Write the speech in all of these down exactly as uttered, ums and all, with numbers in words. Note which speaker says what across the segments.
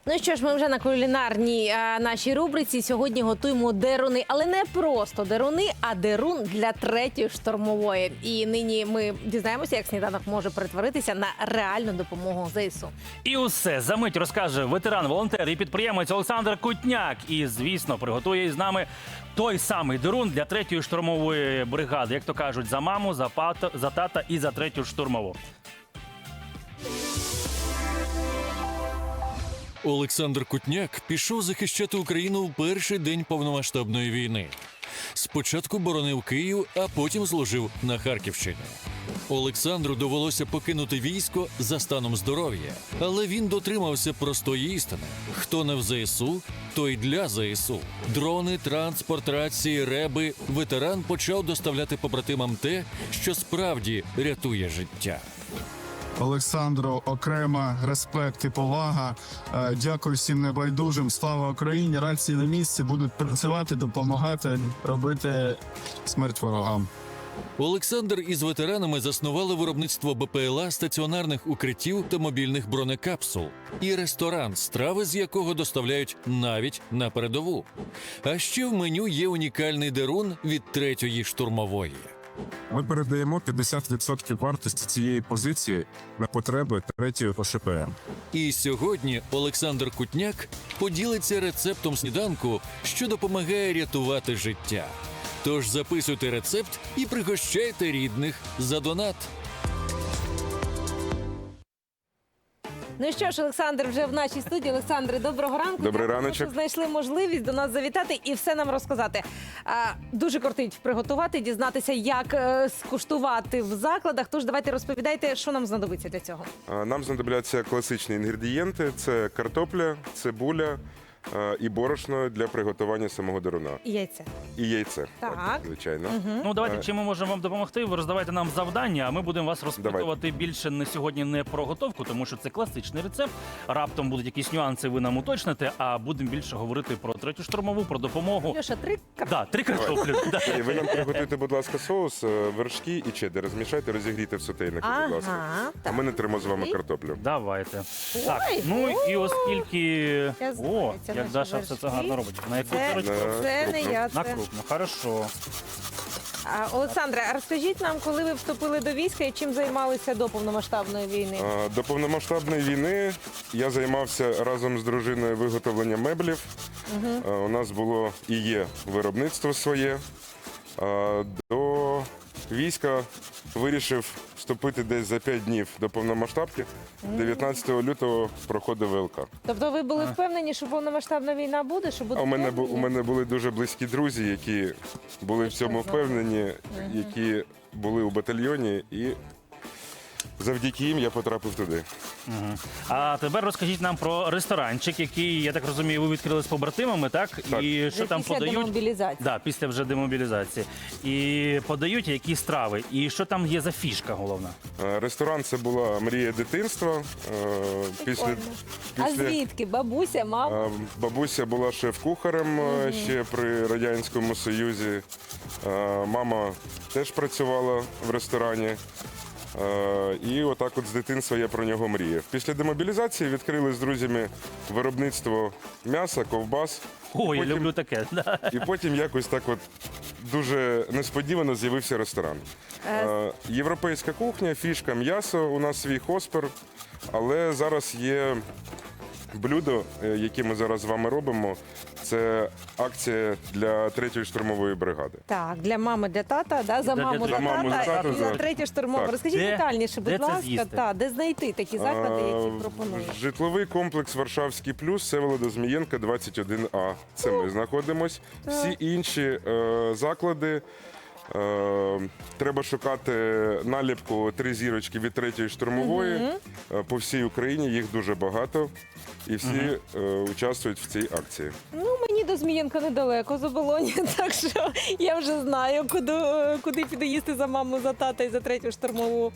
Speaker 1: Ну що ж, ми вже на кулінарній а, нашій рубриці. Сьогодні готуємо деруни, але не просто деруни, а дерун для третьої штурмової. І нині ми дізнаємося, як сніданок може перетворитися на реальну допомогу ЗСУ.
Speaker 2: І усе за мить розкаже ветеран, волонтер і підприємець Олександр Кутняк. І, звісно, приготує із нами той самий дерун для третьої штурмової бригади. Як то кажуть, за маму, за, пата, за тата і за третю штурмову.
Speaker 3: Олександр Кутняк пішов захищати Україну в перший день повномасштабної війни. Спочатку боронив Київ, а потім служив на Харківщині. Олександру довелося покинути військо за станом здоров'я, але він дотримався простої істини. Хто не в ЗСУ, той для ЗСУ. Дрони, транспорт, рації, реби. Ветеран почав доставляти побратимам те, що справді рятує життя.
Speaker 4: Олександру окремо респект і повага. Е, Дякую всім небайдужим. Слава Україні! Рації на місці будуть працювати, допомагати, робити смерть ворогам.
Speaker 3: Олександр із ветеранами заснували виробництво БПЛА, стаціонарних укриттів та мобільних бронекапсул. І ресторан, страви з якого доставляють навіть на передову. А ще в меню є унікальний дерун від третьої штурмової.
Speaker 5: Ми передаємо п'ятдесят відсотків вартості цієї позиції на потреби третьої О Ш П М.
Speaker 3: І сьогодні Олександр Кутняк поділиться рецептом сніданку, що допомагає рятувати життя. Тож записуйте рецепт і пригощайте рідних за донат.
Speaker 1: Ну що ж, Олександр вже в нашій студії. Олександре, доброго ранку.
Speaker 6: Добрий
Speaker 1: Дякую,
Speaker 6: раночок.
Speaker 1: що знайшли можливість до нас завітати і все нам розказати. А, дуже кортить приготувати, дізнатися, як е, скуштувати в закладах. Тож давайте розповідайте, що нам знадобиться для цього.
Speaker 6: А, Нам знадобляться класичні інгредієнти: це картопля, цибуля а, і борошно для приготування самого деруна.
Speaker 1: І яйця.
Speaker 6: І яйце.
Speaker 1: Так.
Speaker 6: Звичайно.
Speaker 2: Ну, давайте,
Speaker 6: Е.
Speaker 2: чим ми можемо вам допомогти? Ви роздавайте нам завдання, а ми будемо вас розпитувати
Speaker 6: Давайте.
Speaker 2: більше не сьогодні не про готовку, тому що це класичний рецепт. Раптом будуть якісь нюанси, ви нам уточните, а будемо більше говорити про третю штурмову, про допомогу.
Speaker 1: Льоша, три картоплі.
Speaker 2: Да, три картоплі. Да.
Speaker 6: І ви нам приготуйте, будь ласка, соус, е, вершки і чеддер. Розмішайте, розігрійте в сотейнику, будь ласка.
Speaker 1: Ага,
Speaker 6: А ми не тримо з вами
Speaker 1: І?
Speaker 6: картоплю.
Speaker 2: Давайте.
Speaker 1: Ой,
Speaker 2: Так, ну і оскільки...
Speaker 1: Я знаю,
Speaker 2: О,
Speaker 1: це
Speaker 2: як
Speaker 1: наші
Speaker 2: Даша все це
Speaker 1: вершки.
Speaker 2: гарно робить. На яку
Speaker 1: Це,
Speaker 2: сорочку?
Speaker 6: На
Speaker 1: це не
Speaker 6: крупну.
Speaker 1: я,
Speaker 2: На
Speaker 1: це.
Speaker 2: крупну, хорошо.
Speaker 1: А, Олександре, а розкажіть нам, коли ви вступили до війська і чим займалися до повномасштабної війни?
Speaker 6: А, До повномасштабної війни я займався разом з дружиною виготовленням меблів. А, У нас було і є виробництво своє. А, До війська вирішив вступити десь за п'ять днів до повномасштабки. дев'ятнадцятого лютого проходив В Л К.
Speaker 1: Тобто ви були впевнені, що повномасштабна війна буде? Що буде
Speaker 6: А у мене, бу- у
Speaker 1: впевнені?
Speaker 6: мене були дуже близькі друзі, які були в цьому впевнені, які були у батальйоні, і завдяки їм я потрапив туди.
Speaker 2: Мгм. А тепер розкажіть нам про ресторанчик, який, я так розумію, ви відкрили з побратимами, так?
Speaker 6: Так.
Speaker 2: І
Speaker 1: Вже
Speaker 2: що там
Speaker 1: після
Speaker 2: подають?
Speaker 1: демобілізації.
Speaker 2: Да, після вже демобілізації. І подають які страви. І що там є за фішка головна?
Speaker 6: Е, Ресторан це була мрія дитинства. Е, Після,
Speaker 1: Прикольно. А
Speaker 6: після
Speaker 1: звідки? Бабуся, мама?
Speaker 6: е, бабуся була шеф-кухарем е, ще при Радянському Союзі. Е, Мама теж працювала в ресторані. Е, І отак от з дитинства я про нього мріяв. Після демобілізації відкрили з друзями виробництво м'яса, ковбас.
Speaker 2: О, я
Speaker 6: Потім-
Speaker 2: люблю таке. Да.
Speaker 6: І потім якось так от дуже несподівано з'явився ресторан. Е, Європейська кухня, фішка м'ясо, у нас свій хоспер, але зараз є блюдо, е, яке ми зараз з вами робимо. Це акція для третьої штурмової бригади.
Speaker 1: Так, для мами, для тата, да? за
Speaker 2: Для-
Speaker 1: маму,
Speaker 2: для
Speaker 1: за
Speaker 6: маму, за
Speaker 1: тата
Speaker 6: тата,
Speaker 1: і за
Speaker 6: за-
Speaker 1: третє штурмове.
Speaker 6: Так.
Speaker 1: Розкажіть
Speaker 2: Де-
Speaker 1: детальніше,
Speaker 2: де
Speaker 1: будь
Speaker 2: це
Speaker 1: ласка,
Speaker 2: з'їсти?
Speaker 1: та, де знайти такі заклади,
Speaker 6: Е,
Speaker 1: які пропонують?
Speaker 6: Житловий комплекс Варшавський плюс, Всеволода Змієнка, двадцять один А. Це ми знаходимось. Всі інші е, заклади. Е, треба шукати наліпку три зірочки від третьої штурмової. Е, По всій Україні їх дуже багато. І всі е, участвують в цій акції.
Speaker 1: Ну, мені до Змієнка недалеко, з Оболоні, так що я вже знаю, куди, куди піду їсти за маму, за тата і за третю штурмову.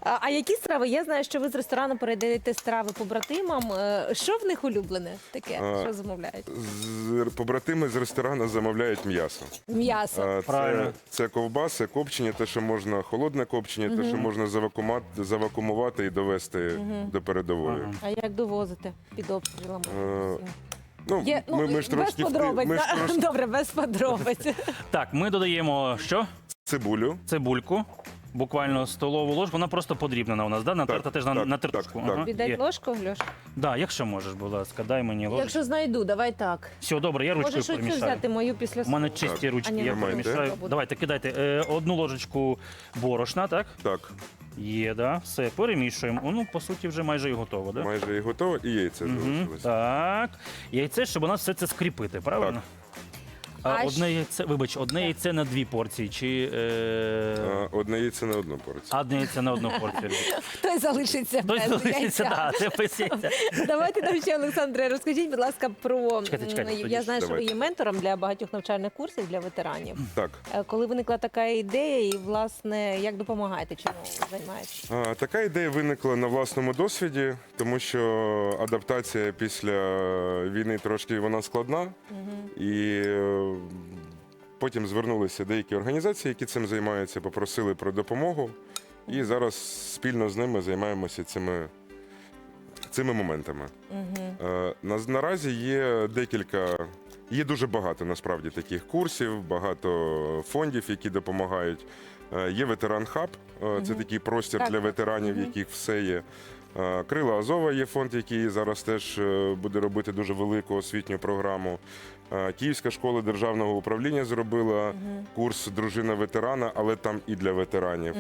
Speaker 1: А, а які страви? Я знаю, що ви з ресторану передаєте страви побратимам. Е, Що в них улюблене таке?
Speaker 6: А,
Speaker 1: Що замовляють?
Speaker 6: З- Побратими з ресторану замовляють м'ясо.
Speaker 1: М'ясо.
Speaker 6: А,
Speaker 2: Правильно.
Speaker 6: Це, це ковбаси, копчення, те, що можна холодне копчення, те, що можна завакумувати, завакумувати і довести до передової.
Speaker 2: Ага.
Speaker 1: А як довозите під обстрілами?
Speaker 6: Е, Ну,
Speaker 1: Є, ну,
Speaker 6: ми, ми ж
Speaker 1: без
Speaker 6: трошки, вти-
Speaker 1: подробиць.
Speaker 6: ми ж
Speaker 1: да?
Speaker 6: трошки
Speaker 1: Добре, без подробиць.
Speaker 2: Так, ми додаємо що?
Speaker 6: цибулю.
Speaker 2: Цибульку. Буквально столову ложку. Вона просто подрібнена у нас, да? Натерта
Speaker 6: Так,
Speaker 2: теж на,
Speaker 6: так,
Speaker 2: на
Speaker 6: так,
Speaker 2: тертушку.
Speaker 6: так.
Speaker 2: Ага.
Speaker 1: Віддай
Speaker 2: Є.
Speaker 1: ложку, Льош?
Speaker 2: Да, якщо можеш, будь ласка, дай мені ложку.
Speaker 1: Якщо знайду, давай так.
Speaker 2: Все, добре, я ручкою
Speaker 1: Можеш оцю
Speaker 2: перемішаю.
Speaker 1: взяти мою після
Speaker 2: У мене
Speaker 1: суп.
Speaker 2: чисті
Speaker 6: Так.
Speaker 2: ручки,
Speaker 1: А, ні,
Speaker 2: я
Speaker 1: ну,
Speaker 2: перемішаю.
Speaker 1: буде.
Speaker 2: Давайте, кидайте е, одну ложечку борошна, так?
Speaker 6: Так,
Speaker 2: Є, да. Все, перемішуємо. О, ну, по суті, вже майже і готово, да?
Speaker 6: майже і готово, і яйце
Speaker 2: Мгм.
Speaker 6: залишилось.
Speaker 2: Так. Яйце, щоб у нас все це скріпити, правильно? А,
Speaker 1: А
Speaker 2: одне
Speaker 1: щ-
Speaker 2: яйце, вибач, одне яйце на дві порції, чи е...
Speaker 6: А, Одне яйце на одну порцію.
Speaker 2: одне яйце на одну порцію.
Speaker 1: Хтось залишиться
Speaker 2: Хтось
Speaker 1: без
Speaker 2: залишиться,
Speaker 1: яйця.
Speaker 2: да, це без яйця.
Speaker 1: Давайте нам ще, Олександре, розкажіть, будь ласка, про
Speaker 2: Чекайте, чекайте,
Speaker 1: м,
Speaker 2: тоді
Speaker 1: я
Speaker 2: ж
Speaker 1: знаю, що ви
Speaker 6: давайте.
Speaker 1: є ментором для багатьох навчальних курсів для ветеранів.
Speaker 6: Так.
Speaker 1: Е, Коли виникла така ідея, і власне як допомагаєте, чому ви займаєтесь?
Speaker 6: А, Така ідея виникла на власному досвіді, тому що адаптація після війни трошки вона складна. І е, потім звернулися деякі організації, які цим займаються, попросили про допомогу. І зараз спільно з ними займаємося цими, цими моментами. Е, на- Наразі є декілька, є дуже багато насправді таких курсів, багато фондів, які допомагають. Е, Є ветеран хаб, е, це такий простір
Speaker 1: Так,
Speaker 6: для
Speaker 1: так.
Speaker 6: ветеранів, в яких все є. Е, Крила Азова є фонд, який зараз теж е, буде робити дуже велику освітню програму. Е, Київська школа державного управління зробила курс дружина ветерана, але там і для ветеранів.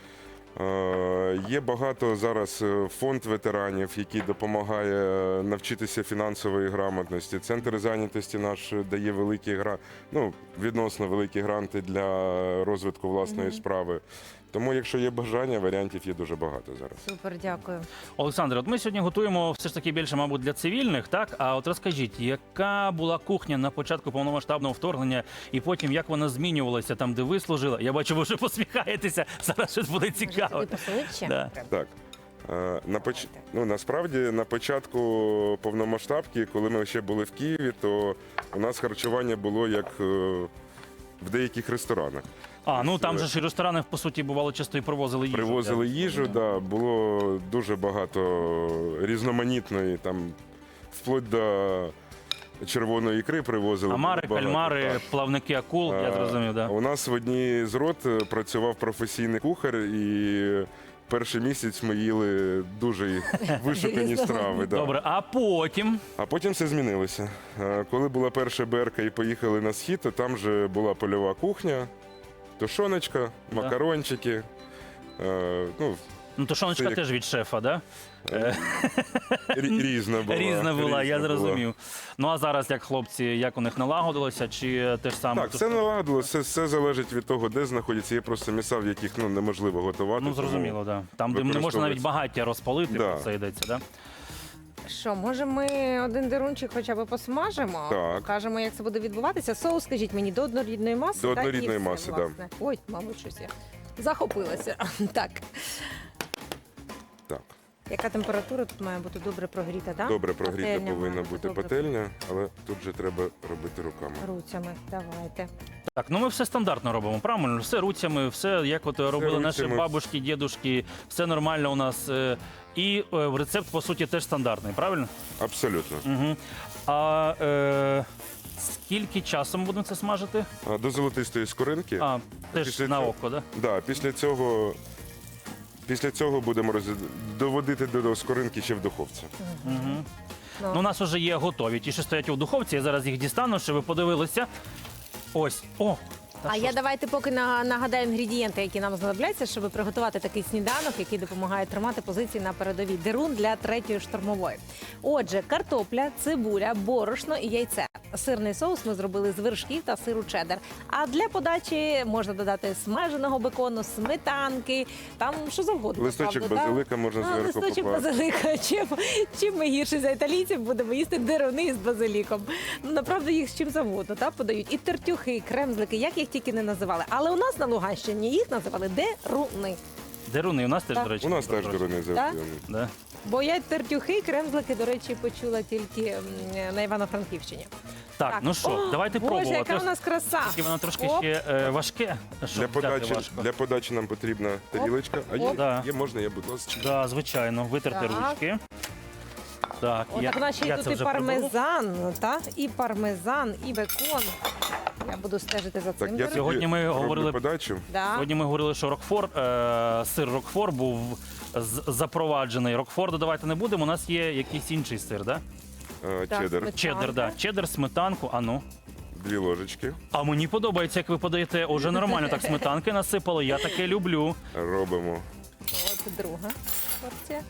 Speaker 6: Е, Є багато зараз е, фонд ветеранів, який допомагає навчитися фінансової грамотності. Центр зайнятості наш дає великі гра... ну, відносно великі гранти для розвитку власної справи. Тому, якщо є бажання, варіантів є дуже багато зараз.
Speaker 1: Супер, дякую.
Speaker 2: Олександр, от ми сьогодні готуємо все ж таки більше, мабуть, для цивільних, так? А от розкажіть, яка була кухня на початку повномасштабного вторгнення, і потім як вона змінювалася там, де ви служили? Я бачу, ви вже посміхаєтеся. Зараз щось буде
Speaker 1: Може,
Speaker 2: цікаво.
Speaker 1: тобі посолити ще?
Speaker 2: Да.
Speaker 1: Треба.
Speaker 6: Так. Е, На поч... ну, насправді, на початку повномасштабки, коли ми ще були в Києві, то у нас харчування було як е, в деяких ресторанах.
Speaker 2: А, ну там же ж і ресторани, по суті, бувало, часто і привозили їжу.
Speaker 6: Привозили
Speaker 2: да.
Speaker 6: їжу, да, було дуже багато різноманітної, там, вплоть до червоної ікри привозили.
Speaker 2: Амари,
Speaker 6: було багато,
Speaker 2: кальмари,
Speaker 6: так.
Speaker 2: плавники акул, я
Speaker 6: Е,
Speaker 2: зрозумів, да.
Speaker 6: У нас в одній з рот е, працював професійний кухар, і перший місяць ми їли дуже вишукані страви. Да.
Speaker 2: Добре, а потім.
Speaker 6: А потім все змінилося. Е, Коли була перша берка і поїхали на схід, то там же була польова кухня, тушоночка,
Speaker 2: Да.
Speaker 6: макарончики. Е, Ну,
Speaker 2: Ну, тушоночка
Speaker 6: Це як-
Speaker 2: теж від шефа, да?
Speaker 6: рі- різна була.
Speaker 2: Різна була, я
Speaker 6: різна була.
Speaker 2: зрозумів. Ну а зараз як хлопці, як у них налагодилося, чи те ж саме?
Speaker 6: Так, все наладило, все, все залежить від того, де знаходяться. Є просто місця, в яких ну, неможливо готувати.
Speaker 2: Ну,
Speaker 6: тому-
Speaker 2: зрозуміло, да. Там, де не можна навіть
Speaker 6: використовується.
Speaker 2: багаття розпалити,
Speaker 6: Да.
Speaker 2: про це йдеться, да?
Speaker 1: Що, може ми один дерунчик хоча б посмажемо?
Speaker 6: Так.
Speaker 1: Покажемо, як це буде відбуватися. Соус, скажіть мені, до однорідної маси?
Speaker 6: До
Speaker 1: так, і
Speaker 6: однорідної
Speaker 1: все,
Speaker 6: маси, да.
Speaker 1: власне. Ой, мабуть, щось я захопилася. Так.
Speaker 6: Так,
Speaker 1: Яка температура тут має бути добре прогріта, так?
Speaker 6: добре прогріта
Speaker 1: Пательня
Speaker 6: повинна
Speaker 1: має
Speaker 6: бути
Speaker 1: добре
Speaker 6: пательня, але тут же треба робити руками.
Speaker 1: руцями. Давайте.
Speaker 2: Так, ну ми все стандартно робимо, правильно? Все руцями, все як от робили наші
Speaker 6: руцями.
Speaker 2: бабушки, дідушки, все нормально у нас. е, І е, рецепт, по суті, теж стандартний, правильно?
Speaker 6: Абсолютно.
Speaker 2: Угу. А е, скільки часу ми будемо це смажити?
Speaker 6: А, До золотистої скоринки.
Speaker 2: А, теж
Speaker 6: Після
Speaker 2: на
Speaker 6: цього-
Speaker 2: око, да?
Speaker 6: Да, після цього. Після цього будемо роз... доводити до скоринки ще в духовці.
Speaker 2: Угу.
Speaker 1: Ну.
Speaker 2: Ну, у нас вже є готові. Ті, що стоять у духовці, я зараз їх дістану, щоб ви подивилися. Ось. О! Та
Speaker 1: А
Speaker 2: що
Speaker 1: я
Speaker 2: ж
Speaker 1: давайте поки на- нагадаю інгредієнти, які нам знадобляться, щоб приготувати такий сніданок, який допомагає тримати позиції на передовій. Дерун для третьої штурмової. Отже, картопля, цибуля, борошно і яйце. Сирний соус ми зробили з вершків та сиру чеддер. А для подачі можна додати смаженого бекону, сметанки, там що завгодно.
Speaker 6: Листочок
Speaker 1: правда, так?
Speaker 6: базилика можна
Speaker 1: А,
Speaker 6: зверху
Speaker 1: листочок
Speaker 6: покласти.
Speaker 1: базилика. Чим, чим ми гірше за італійців будемо їсти деруни з базиліком. Ну, направду їх з чим завгодно, так, подають. І тертюхи, і кремзлики, як їх тільки не називали. Але у нас на Луганщині їх називали деруни.
Speaker 2: Деруни у нас теж,
Speaker 1: Так.
Speaker 2: до речі.
Speaker 6: У нас теж
Speaker 2: трошки.
Speaker 6: дорони завжди.
Speaker 2: Да.
Speaker 1: Бо я тертюхи, кремзлики, до речі, почула тільки м, на Івано-Франківщині.
Speaker 2: Так, ну що,
Speaker 1: О,
Speaker 2: давайте
Speaker 1: Боже,
Speaker 2: пробувати.
Speaker 1: яка у нас краса!
Speaker 2: Тільки воно трошки
Speaker 1: Оп.
Speaker 2: ще е, важке. щоб
Speaker 6: Для
Speaker 2: взяти
Speaker 6: подачі,
Speaker 2: важко.
Speaker 6: для подачі нам потрібна тарілочка. А є,
Speaker 1: Оп.
Speaker 2: Да.
Speaker 6: є можна, є, будь ласка.
Speaker 2: Да, звичайно, витерти
Speaker 1: Так.
Speaker 2: ручки. Так,
Speaker 1: О,
Speaker 2: я,
Speaker 1: так у нас ще
Speaker 2: я
Speaker 1: й тут
Speaker 2: це
Speaker 1: і
Speaker 2: вже приберу.
Speaker 1: пармезан, та? І пармезан, і бекон. Я буду стежити за
Speaker 6: Так,
Speaker 1: цим.
Speaker 6: я
Speaker 1: до
Speaker 2: Сьогодні
Speaker 6: тобі
Speaker 2: ми
Speaker 6: роблю
Speaker 2: говорили-
Speaker 6: подачу.
Speaker 1: Да.
Speaker 2: Сьогодні ми говорили, що Рокфор, е, сир Рокфор був з- запроваджений. Рокфор додавати не будемо. У нас є якийсь інший сир, да?
Speaker 6: Е,
Speaker 1: Так,
Speaker 6: Чеддер.
Speaker 1: сметана.
Speaker 2: Чеддер, да. Чеддер, сметанку. А ну.
Speaker 6: Дві ложечки.
Speaker 2: А мені подобається, як ви подаєте. Уже нормально так сметанки насипали. Я таке люблю.
Speaker 6: Робимо
Speaker 1: От друга порція.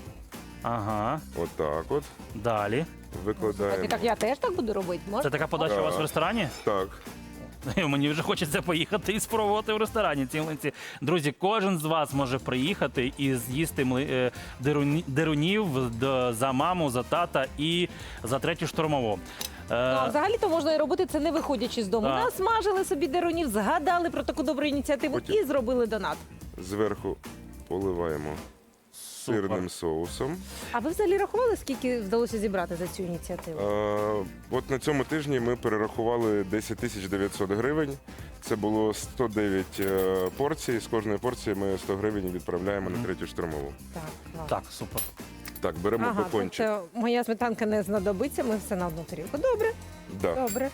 Speaker 2: Ага.
Speaker 6: отак от.
Speaker 2: Далі.
Speaker 1: Так,
Speaker 6: Викладаємо.
Speaker 1: і так я теж так буду робити.
Speaker 2: Це
Speaker 1: Можна?
Speaker 2: така подача у вас в ресторані?
Speaker 6: Так.
Speaker 2: Мені вже хочеться поїхати і спробувати в ресторані ці млинці. Друзі, кожен з вас може приїхати і з'їсти мли- е, деруні- дерунів до- за маму, за тата і за третю штурмову.
Speaker 1: Ну, а
Speaker 2: Е,
Speaker 1: взагалі-то можна і робити це не виходячи з дому.
Speaker 2: Так.
Speaker 1: Насмажили собі дерунів, згадали про таку добру ініціативу
Speaker 6: Потім-
Speaker 1: і зробили донат.
Speaker 6: Зверху поливаємо
Speaker 2: Супер.
Speaker 6: сирним соусом.
Speaker 1: А ви взагалі рахували, скільки вдалося зібрати за цю ініціативу?
Speaker 6: Е, От на цьому тижні ми перерахували десять тисяч дев'ятсот гривень. Це було сто дев'ять е, порцій. З кожної порції ми сто гривень відправляємо на третю штурмову.
Speaker 1: Так, клас.
Speaker 2: Так, супер.
Speaker 6: Так, беремо
Speaker 1: Ага,
Speaker 6: бекончик.
Speaker 1: тобто моя сметанка не знадобиться, ми все на одну тарілку. Добре,
Speaker 6: Да.
Speaker 1: добре.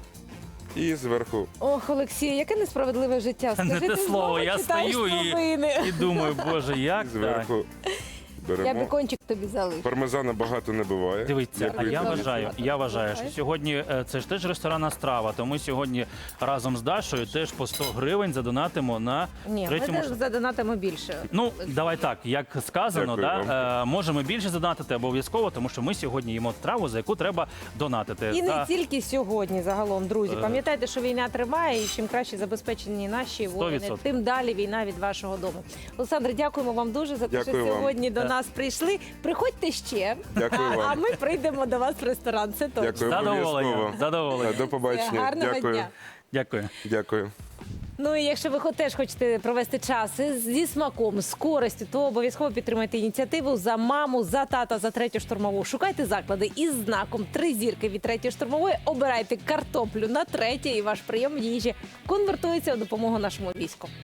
Speaker 6: І зверху
Speaker 1: Ох, Олексій, яке несправедливе життя.
Speaker 2: Не
Speaker 1: Скажи,
Speaker 2: те
Speaker 1: ти
Speaker 2: слово,
Speaker 1: знову
Speaker 2: я
Speaker 1: читаєш
Speaker 2: стою і-
Speaker 1: новини.
Speaker 2: І думаю, боже,
Speaker 6: і
Speaker 2: як так?
Speaker 6: зверху
Speaker 1: Я
Speaker 6: беремо.
Speaker 1: бекончик тобі залишу.
Speaker 6: Пармезана багато не буває.
Speaker 2: Дивіться, а
Speaker 6: Дякую.
Speaker 2: я
Speaker 1: Дякую.
Speaker 2: вважаю, я вважаю, що
Speaker 1: Слухай.
Speaker 2: сьогодні е, це ж теж ресторанна страва. То ми сьогодні разом з Дашою теж по сто гривень задонатимо на
Speaker 1: Ні, ми
Speaker 2: третьому.
Speaker 1: теж задонатимо більше.
Speaker 2: Ну, давай так, як сказано,
Speaker 6: Дякую
Speaker 2: да, е, можемо більше задонатити обов'язково, тому що ми сьогодні їмо страву, за яку треба донатити.
Speaker 1: І не
Speaker 2: За-
Speaker 1: тільки сьогодні, загалом, друзі.
Speaker 2: Е.
Speaker 1: Пам'ятайте, що війна триває, і чим краще забезпечені наші воїни,
Speaker 2: відсотків.
Speaker 1: тим далі війна від вашого дому. Олександр, дякуємо вам дуже за те,
Speaker 6: Дякую
Speaker 1: що
Speaker 6: вам.
Speaker 1: сьогодні до
Speaker 2: Е.
Speaker 1: нас прийшли. Приходьте ще,
Speaker 6: Дякую
Speaker 1: а
Speaker 6: вам.
Speaker 1: ми прийдемо до вас в ресторан. Це точно.
Speaker 6: Дякую.
Speaker 2: Задоволення.
Speaker 6: Обов'язково.
Speaker 2: Задоволення.
Speaker 6: До побачення.
Speaker 1: Гарного
Speaker 6: Дякую.
Speaker 1: дня.
Speaker 2: Дякую.
Speaker 6: Дякую.
Speaker 1: Ну і якщо ви хо- теж хочете провести час із- зі смаком, з користю, то обов'язково підтримайте ініціативу за маму, за тата, за третю штурмову. Шукайте заклади із знаком три зірки від третьої штурмової. Обирайте картоплю на третє, і ваш прийом їжі конвертується у допомогу нашому війську.